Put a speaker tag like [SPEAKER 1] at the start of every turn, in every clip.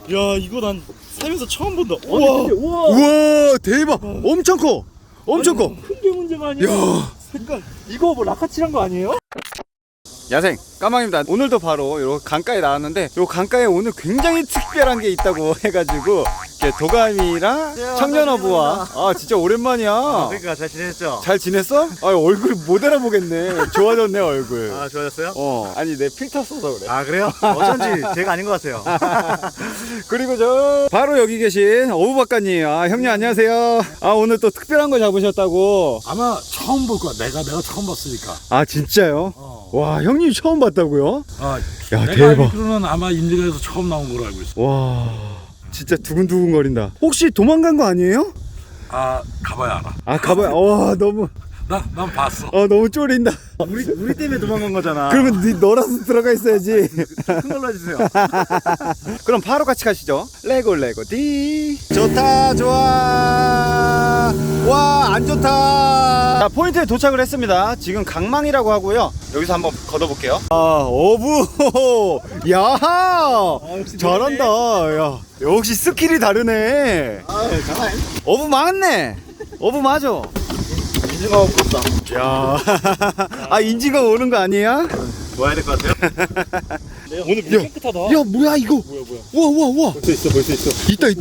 [SPEAKER 1] 야 이거 난 살면서 처음 본다.
[SPEAKER 2] 우와.
[SPEAKER 3] 우와 대박. 엄청 커. 엄청 커.
[SPEAKER 2] 큰 게 문제가 아니야.
[SPEAKER 3] 야.
[SPEAKER 2] 색깔. 이거 뭐 라카칠한 거 아니에요?
[SPEAKER 3] 야생 까망입니다. 오늘도 바로 요 강가에 나왔는데 요 강가에 오늘 굉장히 특별한 게 있다고 해가지고 도감이랑 청년어부와 진짜 오랜만이야.
[SPEAKER 1] 그러니까 잘 지냈죠?
[SPEAKER 3] 잘 지냈어? 얼굴 못 알아보겠네. 좋아졌네 얼굴.
[SPEAKER 1] 좋아졌어요?
[SPEAKER 3] 아니 내 필터 써서 그래.
[SPEAKER 1] 그래요? 어쩐지 제가 아닌 것 같아요.
[SPEAKER 3] 그리고 저 바로 여기 계신 어부박가님. 형님 안녕하세요. 오늘 또 특별한 거 잡으셨다고.
[SPEAKER 4] 아마 처음 볼 거야. 내가 처음 봤으니까.
[SPEAKER 3] 진짜요? 와 형님 처음 봤다고요? 야
[SPEAKER 4] 내가
[SPEAKER 3] 대박.
[SPEAKER 4] 알기로는 아마 인디가에서 처음 나온 걸로 알고 있어.
[SPEAKER 3] 와 진짜 두근두근 거린다. 혹시 도망간 거 아니에요?
[SPEAKER 4] 가봐야 알아.
[SPEAKER 3] 가봐요. 와 너무
[SPEAKER 4] 난 봤어.
[SPEAKER 3] 너무 쫄린다.
[SPEAKER 1] 우리 때문에 도망간 거잖아.
[SPEAKER 3] 그러면 너라도 들어가 있어야지.
[SPEAKER 1] 큰 걸로 해주세요.
[SPEAKER 3] 그럼 바로 같이 가시죠. 레고 디. 좋다 좋아. 와 안 좋다. 자 포인트에 도착을 했습니다. 지금 강망이라고 하고요. 여기서 한번 걷어볼게요. 어부. 야 잘한다. 야 역시 스킬이 다르네.
[SPEAKER 1] 장난.
[SPEAKER 3] 어부 맞네. 어부 맞아.
[SPEAKER 1] 인증하고 부럽다.
[SPEAKER 3] 야 인지가 오는 거 아니야?
[SPEAKER 1] 와야 될 것 같아요?
[SPEAKER 2] 오늘 물 깨끗하다.
[SPEAKER 3] 야 뭐야 이거? 우와.
[SPEAKER 1] 벌써 있어.
[SPEAKER 3] 있다.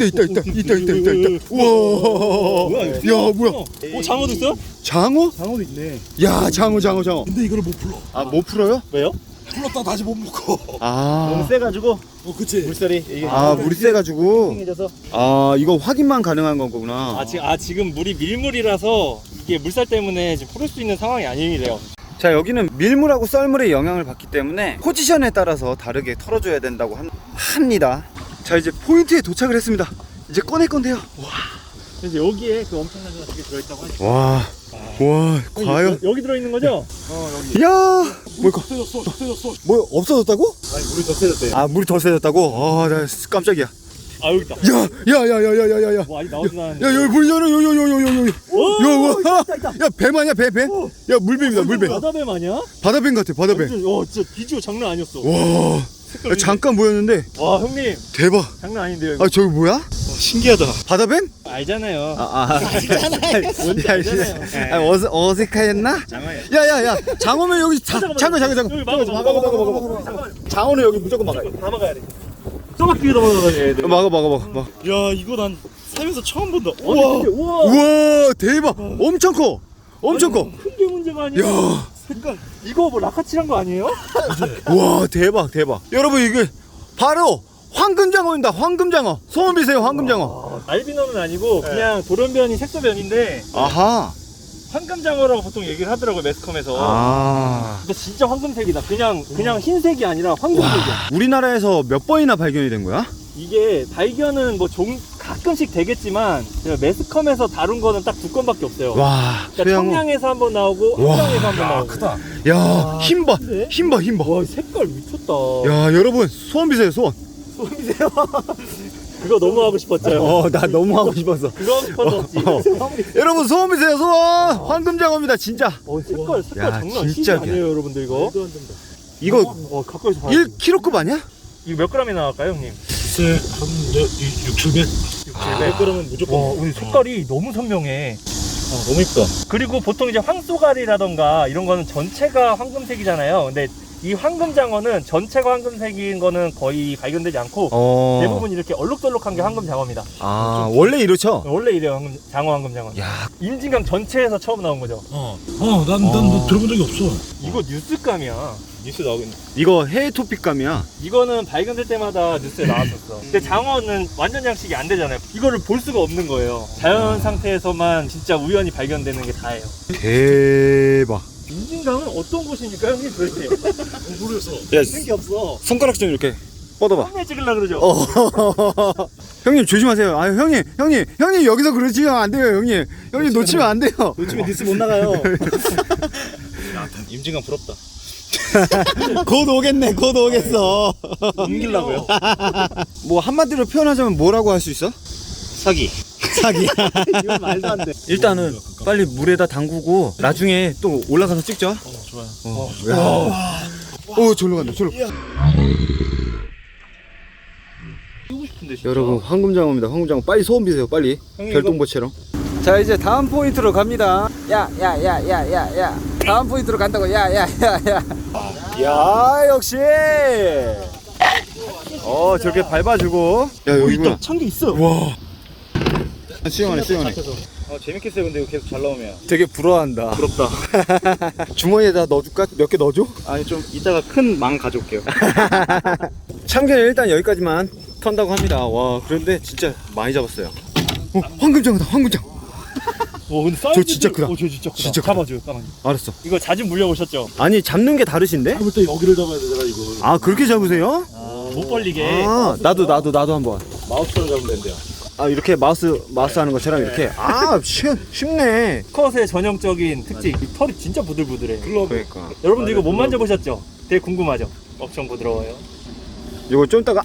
[SPEAKER 3] 우와. 야 뭐야?
[SPEAKER 2] 장어도 있어?
[SPEAKER 3] 장어?
[SPEAKER 1] 장어도 있네.
[SPEAKER 3] 야 장어.
[SPEAKER 4] 근데 이거를 못 풀어.
[SPEAKER 3] 못 풀어요?
[SPEAKER 2] 왜요?
[SPEAKER 4] 풀었다 다시 못 묶어.
[SPEAKER 1] 너무 세가지고
[SPEAKER 4] 그치.
[SPEAKER 1] 물살이 이게
[SPEAKER 3] 물이 세가지고.
[SPEAKER 1] 해져서.
[SPEAKER 3] 이거 확인만 가능한 거구나.
[SPEAKER 2] 지금 물이 밀물이라서 이게 물살 때문에 지금 풀을 수 있는 상황이 아니래요.
[SPEAKER 3] 자 여기는 밀물하고 썰물의 영향을 받기 때문에 포지션에 따라서 다르게 털어줘야 된다고 합니다. 자 이제 포인트에 도착을 했습니다. 이제 꺼낼 건데요.
[SPEAKER 2] 그래서 여기에 그 엄청난 거 되게 들어있다고 하죠.
[SPEAKER 3] 와 과연?
[SPEAKER 2] 여기 들어있는 거죠?
[SPEAKER 3] 야 뭘까?
[SPEAKER 4] 세졌어.
[SPEAKER 3] 뭐 없어졌다고?
[SPEAKER 1] 아니 물이 더 세졌대.
[SPEAKER 3] 물이 더 세졌다고? 나 깜짝이야.
[SPEAKER 2] 여기 있다.
[SPEAKER 3] 야야야야야야야.
[SPEAKER 2] 뭐 아직 나오진 않았는데.
[SPEAKER 3] 야 여기 물 열어 야 뱀 아니야 배? 야 물뱀이다 물뱀.
[SPEAKER 2] 바다뱀 아니야?
[SPEAKER 3] 바다뱀 같아 바다뱀.
[SPEAKER 2] 진짜 비주얼 장난 아니었어.
[SPEAKER 3] 와 야, 잠깐 보였는데
[SPEAKER 2] 와 형님
[SPEAKER 3] 대박.
[SPEAKER 2] 장난 아닌데요 이거.
[SPEAKER 3] 저기 뭐야?
[SPEAKER 1] 신기하다.
[SPEAKER 3] 바다뱀?
[SPEAKER 2] 알잖아요.
[SPEAKER 3] 뭔지 어색하였나?
[SPEAKER 1] 장어야.
[SPEAKER 3] 야야야 장어면 여기 장어
[SPEAKER 2] 여기
[SPEAKER 3] 막아. 장어는 여기 무조건 막아야 돼.
[SPEAKER 2] 다 막아야 돼. 쪼박히게 넘어가야 돼.
[SPEAKER 3] 막아.
[SPEAKER 1] 야 이거 난 살면서 처음 본다.
[SPEAKER 3] 우와 대박. 엄청 커.
[SPEAKER 2] 큰 게 문제가 아니야.
[SPEAKER 3] 야.
[SPEAKER 2] 색깔. 이거 뭐 라카칠한 거 아니에요?
[SPEAKER 3] 와 대박. 여러분 이게 바로 황금장어입니다. 황금장어. 소원 비세요 황금장어.
[SPEAKER 2] 알비노는 아니고 그냥 돌연변이 색소변인데
[SPEAKER 3] 아하.
[SPEAKER 2] 황금장어라고 보통 얘기를 하더라고요 매스컴에서. 근데 진짜 황금색이다. 그냥 흰색이 아니라 황금색이야.
[SPEAKER 3] 우리나라에서 몇 번이나 발견이 된 거야?
[SPEAKER 2] 이게 발견은 뭐 가끔씩 되겠지만 매스컴에서 다룬 거는 딱 2건밖에 없어요.
[SPEAKER 3] 와
[SPEAKER 2] 그러니까 청량에서 한번 나오고
[SPEAKER 3] 와.
[SPEAKER 2] 함정에서 한번 나오고.
[SPEAKER 4] 크다.
[SPEAKER 3] 야 힘봐.
[SPEAKER 2] 와 색깔 미쳤다.
[SPEAKER 3] 야 여러분 소원 비세요 소원.
[SPEAKER 2] 소름이세요? 그거 너무 하고 싶었죠.
[SPEAKER 3] 나 너무 하고 싶었어.
[SPEAKER 2] 그거 하고 싶었지.
[SPEAKER 3] 여러분 소원 비세요 소원. 황금장어입니다 진짜.
[SPEAKER 2] 색깔
[SPEAKER 3] 야,
[SPEAKER 2] 장난
[SPEAKER 3] 진짜
[SPEAKER 2] 아니에요 여러분들 이거.
[SPEAKER 3] 이거
[SPEAKER 2] 가까이서 봐.
[SPEAKER 3] 1kg급 아니야?
[SPEAKER 2] 이거 몇 g이 나갈까요 형님?
[SPEAKER 4] 글쎄 한 6, 700.
[SPEAKER 2] 700g은 무조건. 오늘 색깔이 너무 선명해.
[SPEAKER 1] 너무 이쁘다.
[SPEAKER 2] 그리고 보통 이제 황소가리라던가 이런 거는 전체가 황금색이잖아요. 근데 이 황금장어는 전체가 황금색인 거는 거의 발견되지 않고 대부분 이렇게 얼룩덜룩한 게 황금장어입니다.
[SPEAKER 3] 원래 이렇죠?
[SPEAKER 2] 원래 이래요 황금장어.
[SPEAKER 3] 야
[SPEAKER 2] 임진강 전체에서 처음 나온 거죠.
[SPEAKER 4] 난 들어본 적이 없어.
[SPEAKER 2] 이거 뉴스감이야.
[SPEAKER 1] 뉴스 나오겠네.
[SPEAKER 3] 이거 해외 토픽감이야.
[SPEAKER 2] 이거는 발견될 때마다 뉴스에 나왔었어. 근데 장어는 완전 양식이 안 되잖아요. 이거를 볼 수가 없는 거예요. 자연 상태에서만 진짜 우연히 발견되는 게 다예요.
[SPEAKER 3] 대박.
[SPEAKER 2] 임진강은 어떤 곳입니까 형님 도대체?
[SPEAKER 4] 모르겠어.
[SPEAKER 3] 야
[SPEAKER 2] 생기 없어.
[SPEAKER 3] 손가락 좀 이렇게 뻗어봐.
[SPEAKER 2] 썸네일 찍으려고 그러죠?
[SPEAKER 3] 형님 조심하세요. 형님 여기서 그러시면 안 돼요 형님 놓치면 안 돼요.
[SPEAKER 1] 요즘에 뉴스 못 나가요. 임진강 부럽다.
[SPEAKER 3] 곧 오겠네 곧 오겠어.
[SPEAKER 1] 옮기려고요.
[SPEAKER 3] 뭐 한마디로 표현하자면 뭐라고 할 수 있어?
[SPEAKER 1] 사기.
[SPEAKER 2] 이건 말도 안 돼.
[SPEAKER 3] 일단은 빨리 물에다 담그고 나중에 또 올라가서 찍죠.
[SPEAKER 1] 좋아요.
[SPEAKER 3] 절로 간다 절로.
[SPEAKER 2] 뛰고 싶은데. 맛있는데 진짜.
[SPEAKER 3] 여러분 황금장어입니다. 황금장어 빨리 소원 비세요. 빨리.
[SPEAKER 2] 형님,
[SPEAKER 3] 별똥보처럼. 자 이제 다음 포인트로 갑니다. 야야야야야야. 다음 포인트로 간다고. 야야야야. 야 역시. 저렇게 밟아주고. 야 여기구나.
[SPEAKER 1] 찬 게 있어.
[SPEAKER 3] 와. 수영하네 수영하네.
[SPEAKER 1] 재밌겠어요. 근데 이거 계속 잘 나오면.
[SPEAKER 3] 되게 부러워한다.
[SPEAKER 1] 부럽다.
[SPEAKER 3] 주머니에다 넣어줄까? 몇 개 넣어줘?
[SPEAKER 1] 아니 좀 이따가 큰 망 가져올게요.
[SPEAKER 3] 참견 일단 여기까지만 턴다고 합니다. 와 그런데 진짜 많이 잡았어요. 황금장어다 황금장.
[SPEAKER 2] 와 근데 사이즈.
[SPEAKER 3] 진짜 크다.
[SPEAKER 2] 저 진짜 크다.
[SPEAKER 3] 진짜 크다.
[SPEAKER 2] 잡아줘요, 까만님.
[SPEAKER 3] 알았어.
[SPEAKER 2] 이거 자주 물려보셨죠?
[SPEAKER 3] 아니 잡는 게 다르신데?
[SPEAKER 4] 잡을 때 여기를 잡아야 되잖아 이거.
[SPEAKER 3] 아 그렇게 잡으세요?
[SPEAKER 2] 못 벌리게.
[SPEAKER 3] 아 나도 한번.
[SPEAKER 1] 마우스로 잡으면 된대요.
[SPEAKER 3] 아 이렇게 마우스 하는 것처럼 이렇게. 아 쉽네.
[SPEAKER 2] 컷의 전형적인 특징. 이 털이 진짜 부들부들해.
[SPEAKER 3] 그러니까.
[SPEAKER 2] 여러분들 이거 못 만져보셨죠? 되게 궁금하죠? 엄청 부드러워요.
[SPEAKER 3] 이거 좀 이따가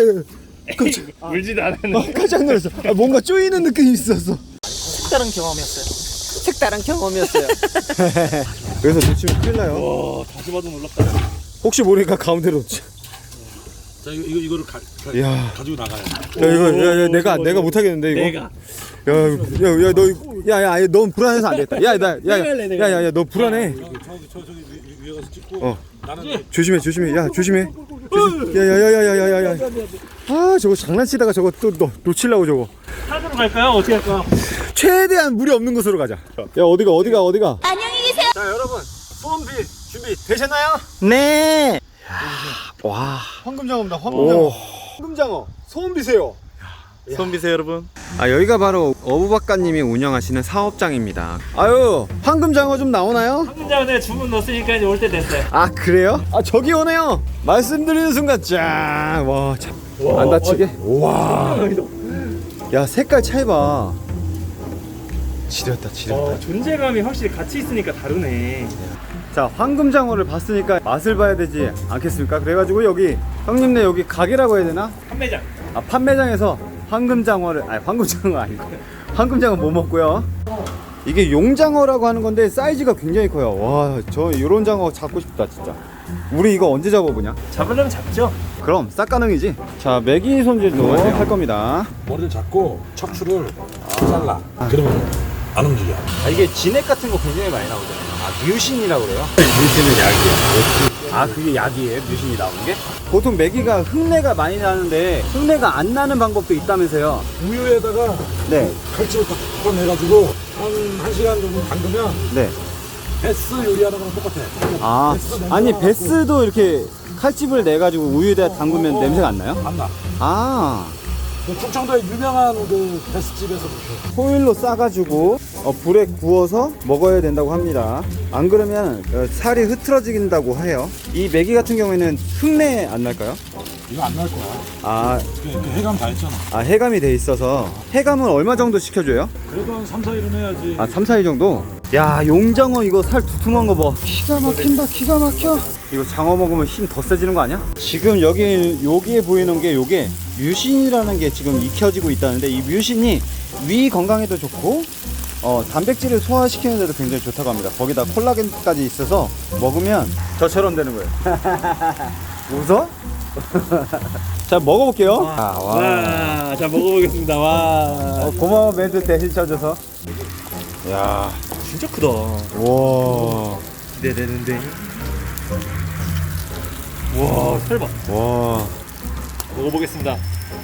[SPEAKER 2] 울지도 않았는데.
[SPEAKER 3] 깜짝 놀랐어. 뭔가 쪼이는 느낌이 있었어.
[SPEAKER 2] 색다른 경험이었어요.
[SPEAKER 3] 색다른 경험이었어요. 그래서 놓치면 큰일 나요.
[SPEAKER 2] 와 다시 봐도 놀랍다.
[SPEAKER 3] 혹시 모르니까 가운데로 놓자.
[SPEAKER 4] 자 이거를
[SPEAKER 3] 야.
[SPEAKER 4] 가지고 나가요.
[SPEAKER 3] 야 이거 내가 못 하겠는데 이거. 야야야 너 불안해서 안 되겠다. 야야야야야 너 불안해.
[SPEAKER 4] 저기 위에 가서 찍고. 나는
[SPEAKER 3] 조심해. 야 조심해. 야야야야야야야. 아 저거 장난치다가 저거 또 놓치려고 저거.
[SPEAKER 2] 산으로 갈까요? 어떻게 할까요?
[SPEAKER 3] 최대한 무리 없는 곳으로 가자. 야 어디가?
[SPEAKER 5] 안녕히 계세요.
[SPEAKER 3] 자 여러분 소원비 준비 되셨나요? 네. 와 황금장어입니다. 황금장어 소원 비세요.
[SPEAKER 1] 손 비세요 여러분.
[SPEAKER 3] 아 여기가 바로 어부박가님이 운영하시는 사업장입니다. 아유 황금장어 좀 나오나요?
[SPEAKER 2] 황금장어 주문 넣었으니까 이제 올 때 됐어요.
[SPEAKER 3] 아 그래요? 아 저기 오네요. 말씀드리는 순간 짠. 안 다치게. 와. 야 색깔 차이 봐. 지렸다.
[SPEAKER 2] 존재감이 확실히 같이 있으니까 다르네.
[SPEAKER 3] 자 황금장어를 봤으니까 맛을 봐야 되지 않겠습니까? 그래가지고 여기 형님네 여기 가게라고 해야 되나?
[SPEAKER 2] 판매장.
[SPEAKER 3] 아 판매장에서 황금장어를 황금장어 아니고 황금장어 뭐 먹고요. 이게 용장어라고 하는 건데 사이즈가 굉장히 커요. 와 저 요런 장어 잡고 싶다 진짜. 우리 이거 언제 잡아보냐?
[SPEAKER 2] 잡으려면 잡죠.
[SPEAKER 3] 그럼 싹 가능이지. 자 메기 손질도 할 겁니다.
[SPEAKER 4] 머리를 잡고 척추를 잘라. 그러면 안 움직여.
[SPEAKER 3] 이게 진액 같은 거 굉장히 많이 나오잖아요. 뮤신이라고 그래요? 뮤신은 약이에요. 그게 약이에요? 뮤신이 나오는 게? 보통 메기가 흙내가 많이 나는데 흙내가 안 나는 방법도 있다면서요?
[SPEAKER 4] 우유에다가
[SPEAKER 3] 네.
[SPEAKER 4] 칼집을 딱 풀어내가지고 한 1시간 정도 담그면
[SPEAKER 3] 네.
[SPEAKER 4] 베스 요리하는 거랑 똑같아.
[SPEAKER 3] 아니 베스도 이렇게 칼집을 내가지고 우유에다 담그면 냄새가 안 나요?
[SPEAKER 4] 안 나. 그 충청도에 유명한 그 베스집에서
[SPEAKER 3] 호일로 싸가지고 불에 구워서 먹어야 된다고 합니다. 안 그러면 살이 흐트러진다고 해요. 이 메기 같은 경우에는 흙내 안 날까요?
[SPEAKER 4] 이거 안 날 거야. 그 해감 다 했잖아.
[SPEAKER 3] 해감이 돼 있어서. 해감은 얼마 정도 시켜줘요?
[SPEAKER 4] 그래도 한 3, 4일은 해야지.
[SPEAKER 3] 3, 4일 정도? 야 용장어 이거 살 두툼한 거 봐. 기가 막힌다. 기가 막혀. 이거 장어 먹으면 힘 더 세지는 거 아니야? 지금 여기에 보이는 게 요게 뮤신이라는 게 지금 익혀지고 있다는데 이 뮤신이 위 건강에도 좋고 단백질을 소화시키는 데도 굉장히 좋다고 합니다. 거기다 콜라겐까지 있어서 먹으면 저처럼 되는 거예요. 웃어? 자 먹어볼게요.
[SPEAKER 2] 와, 자 먹어보겠습니다. 와,
[SPEAKER 3] 고마워 멘트 대신 쳐줘서. 야
[SPEAKER 2] 진짜 크다.
[SPEAKER 3] 와.
[SPEAKER 2] 기대되는데. 와, 설마.
[SPEAKER 3] 와.
[SPEAKER 2] 먹어보겠습니다.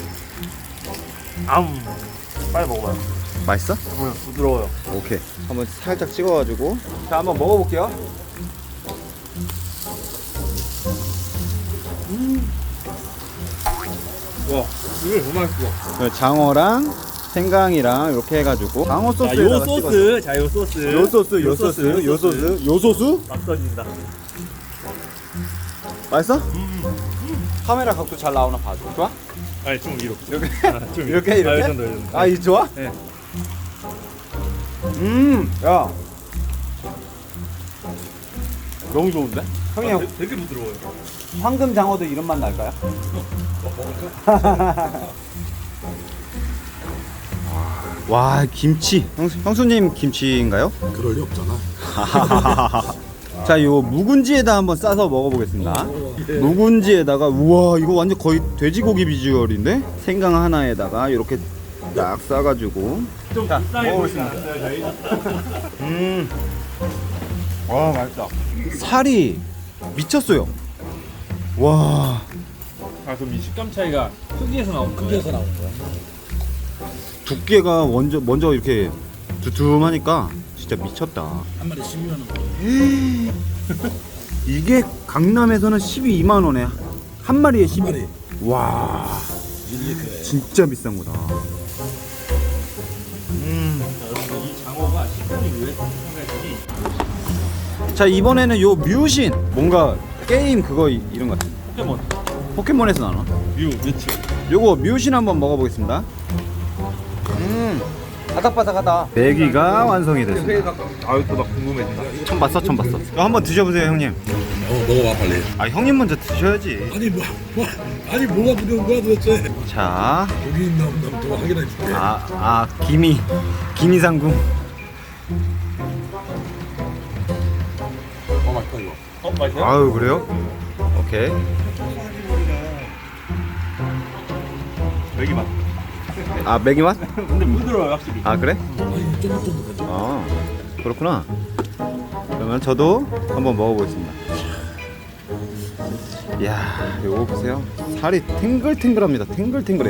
[SPEAKER 2] 빨리 먹어봐요.
[SPEAKER 3] 맛있어?
[SPEAKER 2] 부드러워요.
[SPEAKER 3] 오케이. 한번 살짝 찍어가지고. 자, 한번 먹어볼게요.
[SPEAKER 2] 와, 이거 너무 맛있어.
[SPEAKER 3] 장어랑 생강이랑 이렇게 해가지고 장어
[SPEAKER 2] 자, 요
[SPEAKER 3] 소스에다가
[SPEAKER 2] 소스. 자, 요 소스.
[SPEAKER 3] 요 소스.
[SPEAKER 2] 막 터진다.
[SPEAKER 3] 맛있어? 카메라 각도 잘 나오나 봐줘. 좋아?
[SPEAKER 2] 아니, 좀 위로.
[SPEAKER 3] 이렇게
[SPEAKER 2] 좀
[SPEAKER 3] 이렇게?
[SPEAKER 2] 이 정도.
[SPEAKER 3] 이 좋아?
[SPEAKER 2] 네.
[SPEAKER 3] 야. 너무 좋은데? 형님
[SPEAKER 2] 되게 부드러워요.
[SPEAKER 3] 황금 장어도 이런 맛 날까요? 와 김치. 형수님 김치인가요?
[SPEAKER 4] 그럴 리 없잖아.
[SPEAKER 3] 자, 요 묵은지에다 한번 싸서 먹어보겠습니다. 묵은지에다가 우와 이거 완전 거의 돼지고기 비주얼인데 생강 하나에다가 이렇게 딱 싸가지고
[SPEAKER 2] 좀
[SPEAKER 3] 자,
[SPEAKER 2] 불쌍해 보이진
[SPEAKER 3] 먹어보겠습니다.
[SPEAKER 2] 않았어요 저희?
[SPEAKER 3] 와 맛있다. 살이 미쳤어요. 와
[SPEAKER 2] 아 그럼 이 식감 차이가 크기에서 나온 거예요?
[SPEAKER 4] 크기에서 나온 거야.
[SPEAKER 3] 두께가 먼저 이렇게 두툼하니까 진짜 미쳤다.
[SPEAKER 4] 한 마리 12만 원.
[SPEAKER 3] 이게 강남에서는 12만 원에 한 마리에 12.
[SPEAKER 4] 한 마리.
[SPEAKER 3] 와
[SPEAKER 4] 밀리크에.
[SPEAKER 3] 진짜 비싼 거다.
[SPEAKER 2] 여러분들 이 장어가 식감이 왜 생각했더니
[SPEAKER 3] 자 이번에는 요 뮤신 뭔가 게임 그거 이런 거 같아.
[SPEAKER 2] 포켓몬
[SPEAKER 3] 포켓몬에서 나나?
[SPEAKER 2] 뮤 뮤츠
[SPEAKER 3] 요거 뮤신 한번 먹어보겠습니다. 바삭바삭하다. 내기가 완성이 됐습니다.
[SPEAKER 1] 아유 또 나 궁금해진다.
[SPEAKER 3] 처음 봤어? 이거 한번 드셔보세요 형님.
[SPEAKER 4] 먹어봐 빨리.
[SPEAKER 3] 아 형님 먼저 드셔야지.
[SPEAKER 4] 아니 아니 뭐가 부러운 거야 도대체.
[SPEAKER 3] 자,
[SPEAKER 4] 여기 있나 없나 또 확인해 줄게.
[SPEAKER 3] 기미 상궁.
[SPEAKER 4] 맛있다 이거.
[SPEAKER 2] 맛있어요?
[SPEAKER 3] 아유 그래요? 오케이.
[SPEAKER 2] 여기 맛
[SPEAKER 3] 아 맥이 맛?
[SPEAKER 2] 근데 부드러워요 확실히
[SPEAKER 3] 아 그래?
[SPEAKER 4] 아니 쫀득쫀득하죠.
[SPEAKER 3] 아 그렇구나. 그러면 저도 한번 먹어보겠습니다. 이야 이거 보세요. 살이 탱글탱글합니다. 탱글탱글해.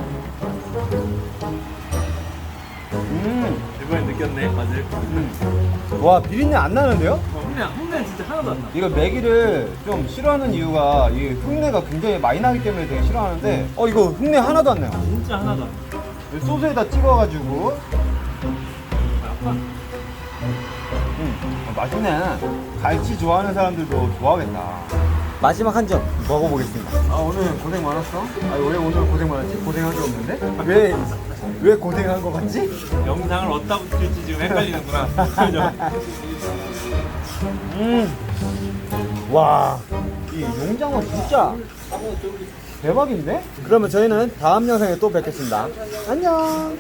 [SPEAKER 2] 이번엔 느꼈네 맛을
[SPEAKER 3] 와 비린내 안 나는데요?
[SPEAKER 2] 흉내는 진짜 하나도 안 나.
[SPEAKER 3] 이거 매기를 좀 싫어하는 이유가 이 흉내가 굉장히 많이 나기 때문에 되게 싫어하는데 이거 흉내 하나도 안 나요.
[SPEAKER 2] 진짜 하나도 안 나.
[SPEAKER 3] 소스에다 찍어가지고 맛있네. 갈치 좋아하는 사람들도 좋아하겠다. 마지막 한 점 먹어보겠습니다. 아 오늘 고생 많았어? 아 왜 오늘 고생 많았지? 고생한 게 없는데? 왜 고생한 거 같지?
[SPEAKER 2] 영상을 어디다 붙일지 지금 헷갈리는구나. 그죠?
[SPEAKER 3] 와, 이 용장어 진짜 대박인데? 그러면 저희는 다음 영상에 또 뵙겠습니다. 안녕.